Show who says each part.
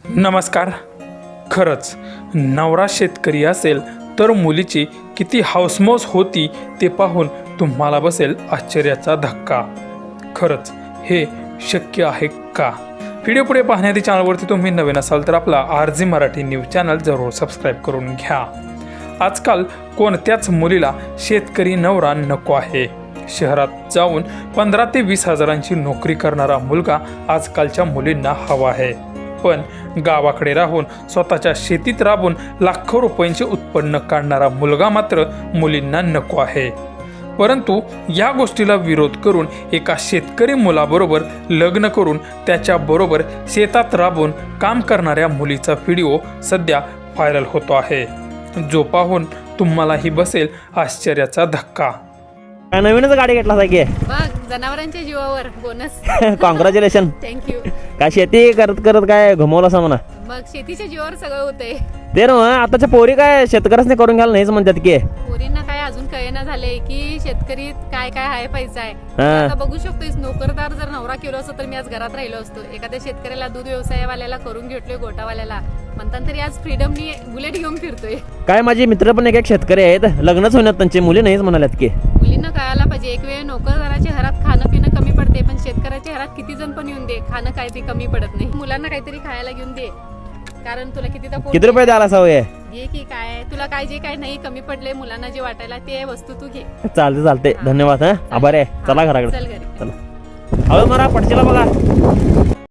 Speaker 1: नमस्कार. खरंच नवरा शेतकरी असेल तर मुलीची किती हौसमौस होती ते पाहून तुम्हाला बसेल आश्चर्याचा धक्का. खरंच हे शक्य आहे का? व्हिडिओ पुढे पाहण्याआधी चॅनलवरती तुम्ही नवीन असाल तर आपला RG मराठी न्यूज चॅनल जरूर सबस्क्राईब करून घ्या. आजकाल कोणत्याच मुलीला शेतकरी नवरा नको आहे. शहरात जाऊन 15 ते 20 हजारांची नोकरी करणारा मुलगा आजकालच्या मुलींना हवा आहे. पण गावाकडे राहून स्वतःच्या शेतीत राबून लाखो रुपयांचे उत्पन्न काढणारा मुलगा मात्र मुलींना नको आहे. परंतु या गोष्टीला विरोध करून एका शेतकरी मुलाबरोबर लग्न करून त्याच्याबरोबर शेतात राबून काम करणाऱ्या मुलीचा व्हिडिओ सध्या व्हायरल होतो आहे, जो पाहून तुम्हालाही बसेल आश्चर्याचा धक्का.
Speaker 2: नवीनच गाडी घेतला की
Speaker 3: बघ, जनावरांच्या जीवावर बोनस.
Speaker 2: कॉंग्रॅच्युलेशन.
Speaker 3: थँक्यू.
Speaker 2: काय शेती करत करत काय घुमवलं असं म्हणा.
Speaker 3: मग शेतीच्या जीवावर सगळं होतंय.
Speaker 2: ते ना आताच्या पोरी काय शेतकऱ्यासने करून घ्यायला नाहीच म्हणतात की.
Speaker 3: पोरींना काय अजून कळेना झालंय की शेतकरी काय काय आहे पैसा आहे.
Speaker 2: हा.
Speaker 3: आता बघू शकतोय, नोकरदार जर नवरा केलो असतो तर मी आज घरात राहिलो असतो. एखाद्या शेतकऱ्याला, दूध व्यवसायवाल्याला करून घेतलोय, गोटावाल्याला म्हणतात तरी आज फ्रीडमनी बुलेट घेऊन फिरतोय.
Speaker 2: काय माझे मित्र पण एक शेतकरी आहेत, लग्नच होण्यात त्यांची मुली नाहीच म्हणाल्यात की.
Speaker 3: मुलींना कळायला पाहिजे, एक वेळ नोकरदाराच्या घरात खाणं पिणं कमी पडते, पण शेतकऱ्याच्या घरात किती जण पण येऊन दे, खाणं काय ते कमी पडत नाही. मुलांना काहीतरी खायला घेऊन दे, कारण तुला
Speaker 2: किती रुपये द्यायला सवय
Speaker 3: घे की काय तुला काय जे काय नाही कमी पडले मुलांना जे वाटायला ते वस्तू तू घे.
Speaker 2: चालते. धन्यवाद. आभार आहे. चला घराकडे.
Speaker 3: चल घरी.
Speaker 2: चला हळू मारा पडशीला बघा.